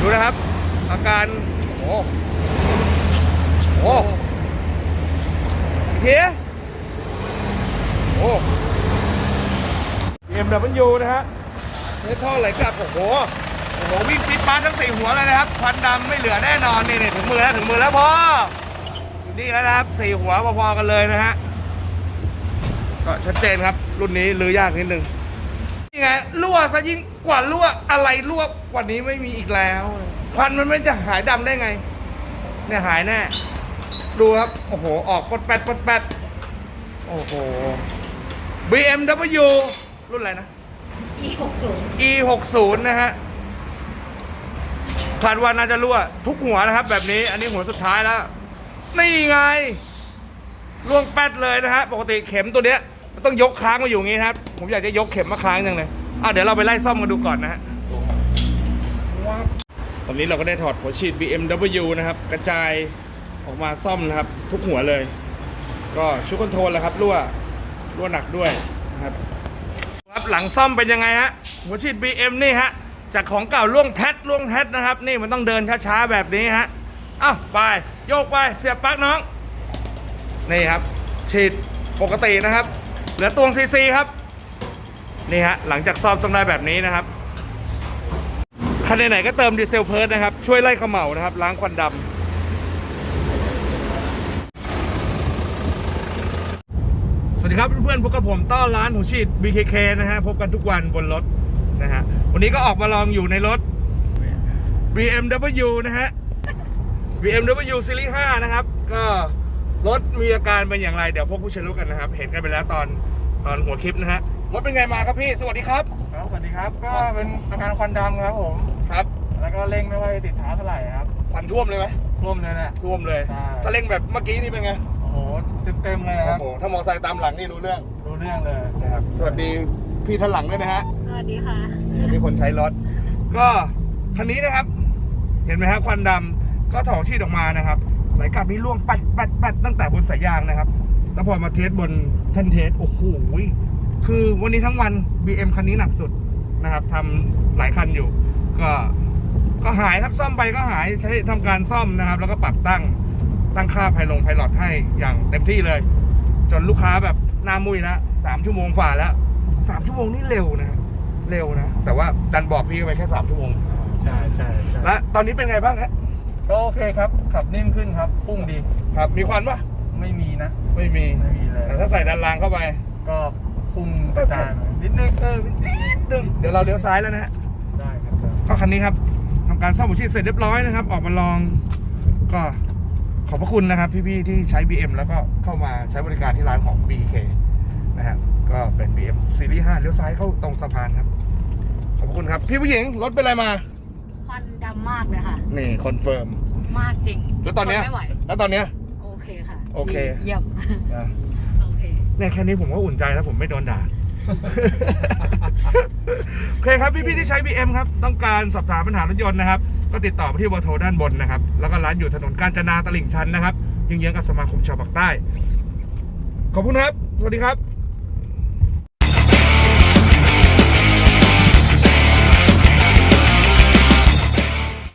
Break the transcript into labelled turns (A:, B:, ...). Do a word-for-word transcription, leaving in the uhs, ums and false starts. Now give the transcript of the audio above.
A: นะครับอาการโอ้โหเฮียโอ้ บี เอ็ม ดับเบิลยู นะฮะเนื้อท่อไหลกลับโอ้โหโอ้โหวิ่งฟิตปาร์ทั้งสี่หัวเลยนะครับควันดำไม่เหลือแน่นอนนี่นี่ถึงมือแล้วถึงมือแล้วพออยู่นี่แล้วนะครับสี่หัวพอๆกันเลยนะฮะก็ชัดเจนครับรุ่นนี้ลือยากนิดนึงนี่ไงรั่วซะยิ่งกว่ารั่วอะไรรั่วกว่านี้ไม่มีอีกแล้วควันมันไม่จะหายดำได้ไงเนี่ยหายแน่ดูครับโอ้โหออกปดแปดปดแปดโอ้โห บี เอ็ม ดับเบิลยู รุ่นอะไรนะ
B: อี หกสิบ
A: อี หกสิบ นะฮะคาดว่าน่าจะรั่วทุกหัวนะครับแบบนี้อันนี้หัวสุดท้ายแล้วนี่ไงล่วงแป๊ดเลยนะฮะปกติเข็มตัวเนี้ยมันต้องยกค้างมาอยู่อย่างงี้นะครับผมอยากจะยกเข็มมาค้างจังเลยอ่ะเดี๋ยวเราไปไล่ซ่อมกันดูก่อนนะฮะตอนนี้เราก็ได้ถอดหัวฉีด บี เอ็ม ดับเบิลยู นะครับกระจายออกมาซ่อมนะครับทุกหัวเลยก็ชุดคอนโทรลแล้วครับรั่วรั่วหนักด้วยนะครับครับหลังซ่อมเป็นยังไงฮะหัวฉีด บี เอ็ม นี่ฮะจากของเก่าล่วงแพทล่วงแพทนะครับนี่มันต้องเดินช้าๆแบบนี้ฮะอ้าวไปโยกไปเสียบปลั๊กน้องนี่ครับฉีดปกตินะครับเหลือตวงซีซีครับนี่ฮะหลังจากซ่อมต้องได้แบบนี้นะครับคันไหนๆก็เติมดีเซลเพิร์ทนะครับช่วยไล่เขม่านะครับล้างควันดำสวัสดีครับเพื่อนๆพบกับผมต้อนร้านหัวฉีด บี เค เค นะฮะพบกันทุกวันบนรถนะฮะวันนี้ก็ออกมาลองอยู่ในรถ บี เอ็ม ดับเบิลยู นะฮะ บี เอ็ม ดับเบิลยู ซีรีส์ ห้านะครับก็รถมีอาการเป็นอย่างไรเดี๋ยวพวกผู้ใช้รู้กันนะครับเห็นกันไปแล้วตอนตอนหัวคลิปนะฮะรถเป็นไงมาครับพี่สวัสดีครับ
C: ครับสวัสดีครับก็เป็นอาการควันดำครับผม
A: ครับ
C: แล้วก็เร่งไม่ค่อยติดเท้าเท่าไหร่ครับ
A: ควันท่วมเลยไหม
C: ท่วมเลยนะ
A: ท่วมเลยถ้าเร่งแบบเมื่อกี้นี่เป็นไง
C: โอ้โหเต็มๆเลยครับ
A: โอ้โหถ้ามอเตอร์ไซค์ตามหลังนี่รู้เรื่อง
C: รู้เรื่องเลย
A: นะครับสวัสดีพี่ท่านหลังด้วยนะฮะ
B: สวัสดีค่ะ
A: มีคนใช้รถก็คันนี้นะครับเห็นไหมครับควันดำก็ถอดชีดออกมานะครับไหลกลับนี้ล่วงปัดปัดปัดตั้งแต่บนสายยางนะครับแล้วพอมาเทสบนแท่นเทสโอ้โหคือวันนี้ทั้งวัน บี เอ็ม คันนี้หนักสุดนะครับทำหลายคันอยู่ก็ก็หายครับซ่อมไปก็หายใช้ทำการซ่อมนะครับแล้วก็ปรับตั้งตั้งค่าไพลงไพลอตให้อย่างเต็มที่เลยจนลูกค้าแบบหน้ามุ้ยแล้วสามชั่วโมงฝ่าแล้วสามชั่วโมงนี่เร็วนะเร็วนะแต่ว่าดันบอกพี่ไปแค่สามชั่วโมง
C: ใช่ใช่
A: และตอนนี้เป็นไงบ้างฮะ
C: ก็โอเคครับขับนิ่มขึ้นครับพุ่งดี
A: ครับมีควันปะ
C: ไม่มีนะ
A: ไม่มี
C: ไม่มีเลย
A: แต่ถ้าใส่ดันรางเข้าไป
C: ก็พุ่งกระจายนิดนึง
A: เออนิดนึงเดี๋ยวเราเลี้ยวซ้ายแล้วนะฮะ
C: ได้ครับ
A: ก็คันนี้ครับทำการซ่อมหัวฉีดเสร็จเรียบร้อยนะครับออกมาลองก็ขอบพระคุณนะครับพี่ๆที่ใช้ บี เอ็ม แล้วก็เข้ามาใช้บริการที่ร้านของ บี เค นะฮะก็เป็น บี เอ็ม ซีรีส์ ห้าเลี้ยวซ้ายเข้าตรงสะพานครับขอบคุณครับพี่ผู้หญิงรถเป็นอะไรมา
B: ควันดำมากเลยค่ะ
A: นี่คอนเฟิร์ม
B: มากจริง
A: แล้วตอนเนี้ยแล้วตอนเนี้ย
B: โอเคค่ะ
A: โอเค
B: เยี่ยมโอเค
A: เนี่ยแค่นี้ผมก็อุ่นใจแล้วผมไม่โดนด่าโอเคครับพี่ๆที่ใช้ บี เอ็ม ครับต้องการสอบถามปัญหารถยนต์นะครับก็ติดต่อไปที่เบอร์โทรด้านบนนะครับแล้วก็ร้านอยู่ถนนกาญจนาตลิ่งชันนะครับเยื้องๆกับสมาคมชาวปากใต้ขอบคุณครับสวัสดีครับ